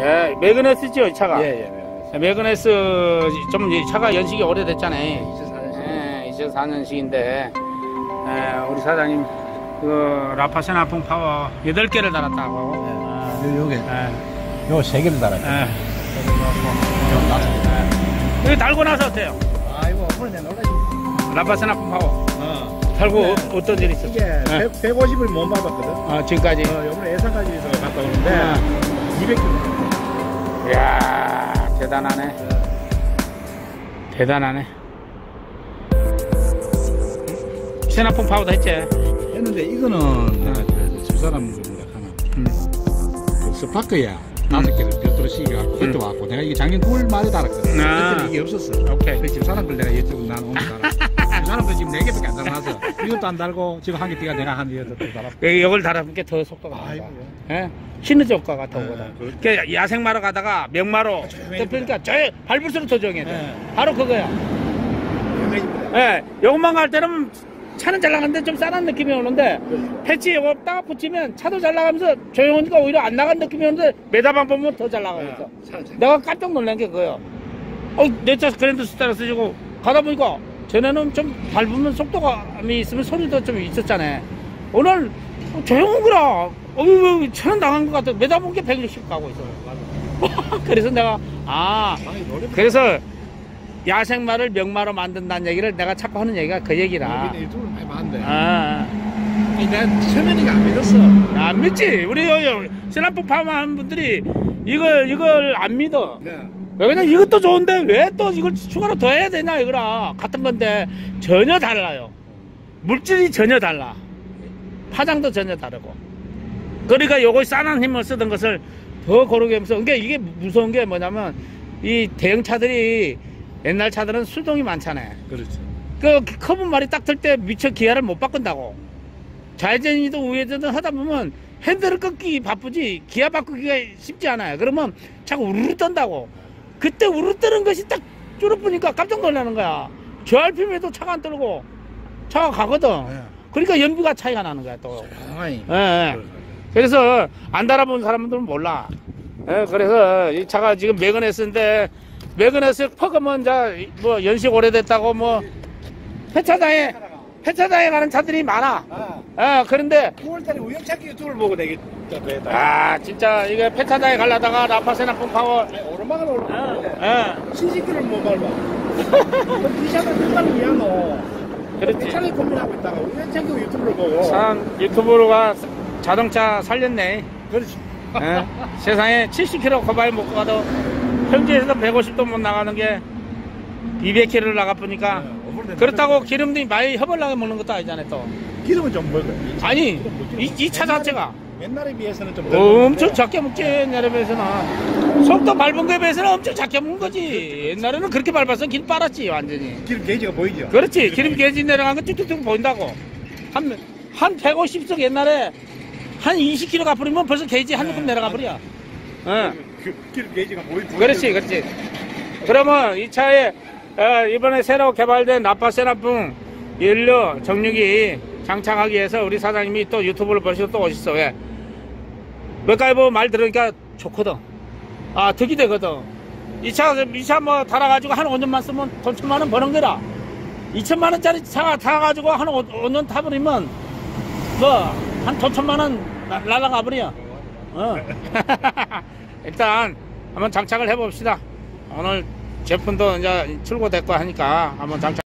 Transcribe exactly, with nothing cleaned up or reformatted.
예, 매그네스죠, 이 차가. 예, 예. 매그네스 좀 이 차가 연식이 오래됐잖아요. 이천사 년식. 예, 이천사 년식인데 예, 우리 사장님 그 라파세나 풍파워 여덟 개를 달았다고. 예. 요, 요게 예. 요 세 개를 달았죠. 예. 요 다섯 개. 여기 달고 나서 어때요? 아이고, 오늘 내가 놀라지. 라파세나 풍파워 어. 달고 네. 어떤 일이 있었어요? 이게 예. 백오십을 못 받았거든. 어, 지금까지. 어, 요번에 예산까지 해서 갔다 오는데 예. 이백 킬로미터. 이야, 대단하네. 예. 대단하네. 세나풍 파워도 했지? 했는데 이거는 내가 그 집사람 분이라 하나 음. 그 스파크야 다섯 개를 별도로 시켜갖고 그때 음. 왔고 내가 이게 작년 구월 말에 달았거든. 아. 그때 이게 없었어. 오케이. 그 집사람 걸 내가 여쭤보고 나는 오늘 달았어. 집사람도 지금 네 개밖에 안 달아놔서 이것도 안 달고 지금 한 개 띠가 내가 한 개도 또 달았고. 여기 이걸 달아본 게 더 속도가 나가. 아이고. 예? 시너지 효과가 더 네, 오거든. 그- 그 야생마로 가다가 명마로 조용해지구나. 그러니까 저 밟을수록 더 조용해. 네. 바로 그거야. 유명해집니다. 예, 요것만 갈 때는 차는 잘 나가는데 좀 싸한 느낌이 오는데 패치 요거 딱 붙이면 차도 잘 나가면서 조용하니까 오히려 안 나간 느낌이 오는데 메다방 보면 더 잘 나가면서. 내가 깜짝 놀란 게 그거예요. 어, 내 차 그랜드 스타를 쓰시고 가다 보니까 전에는 좀 밟으면 속도감이 있으면 소리도 좀 있었잖아요. 오늘 조용한 거라. 어휴, 차는 나간 것 같아. 매다 본 게 백육십 가고 있어. 그래서 내가, 아, 그래서 야생마를 명마로 만든다는 얘기를 내가 자꾸 하는 얘기가 그 얘기라. 유튜브를 많이 봤는데 아, 아니, 내가 처음에는 안 믿었어. 안 믿지? 우리 세나풍 파마하는 분들이 이걸, 이걸 안 믿어. 네. 왜 그냥 이것도 좋은데 왜 또 이걸 추가로 더 해야 되냐 이거라. 같은 건데 전혀 달라요. 물질이 전혀 달라. 파장도 전혀 다르고. 그러니까 요거 싼한 힘을 쓰던 것을 더 고르게 하면서, 그러니까 이게 무서운 게 뭐냐면 이 대형 차들이 옛날 차들은 수동이 많잖아요. 그렇죠. 그 커브 말이 딱 틀 때 미처 기아를 못 바꾼다고. 좌회전이든 우회전이든 하다 보면 핸들을 끊기 바쁘지 기아 바꾸기가 쉽지 않아요. 그러면 자꾸 우르르 떤다고. 그때 우르르 뜨는 것이 딱 줄어보니까 깜짝 놀라는 거야. 저 알피엠에도 차가 안 떨고 차가 가거든. 네. 그러니까 연비가 차이가 나는 거야 또. 아이. 예, 예. 그래서 안 달아본 사람들은 몰라. 예, 그래서 이 차가 지금 매그네스인데 매그네스 퍼그면 뭐 연식 오래됐다고 뭐 폐차장에 폐차장에 가는 차들이 많아. 아, 예, 그런데 구월달에 우연찮게 유튜브를 보고 내게 아 진짜 이게 폐차장에 가려다가 라파세나 폼파워 오르막을 오르막을 예, 신식기를 못 밟아. 이 차가 끝나는 이야노. 그렇지. 차를 고민하고 있다가 우연찮게 유튜브를 보고. 참 유튜브로가 자동차 살렸네. 그렇지. 예, 세상에 칠십 킬로미터 거발 못 가도 현지에서 백오십도 못 나가는 게 이백 킬로미터를 나가보니까 그렇다고 기름이 많이 허벌나게 먹는 것도 아니잖아요 또. 기름은 좀 먹어. 아니 이 차 자체가 옛날에 비해서는 좀 엄청 작게 먹지. 옛날에 비해서는 속도 밟은 거에 비해서는 엄청 작게 먹은 거지. 옛날에는 그렇게 밟아서 길 빨았지 완전히. 기름 게이지가 보이죠. 그렇지. 기름 게이지 내려간 거 뚝뚝뚝 보인다고. 한, 한 백오십석 옛날에 한 이십 킬로미터 가버리면 벌써 게이지 한 조금 내려가 버려. 어. 그, 기름 게이지가 보이. 그렇지, 그렇지. 그러면 이 차에 어, 이번에 새로 개발된 라파세나풍 연료 정육이 장착하기 위해서 우리 사장님이 또 유튜브를 보시고 또 오셨어. 왜? 맥가이버 말 들으니까 좋거든. 아, 득이 되거든. 이 차, 이 차 뭐 달아가지고 한 오 년만 쓰면 돈 천만 원 버는 거라. 이천만 원짜리 차 타가지고 한 오 년 타버리면 뭐 한 돈 천만 원 날아가 버려. 어. 일단 한번 장착을 해봅시다. 오늘 제품도 이제 출고됐고 하니까 한번 장착.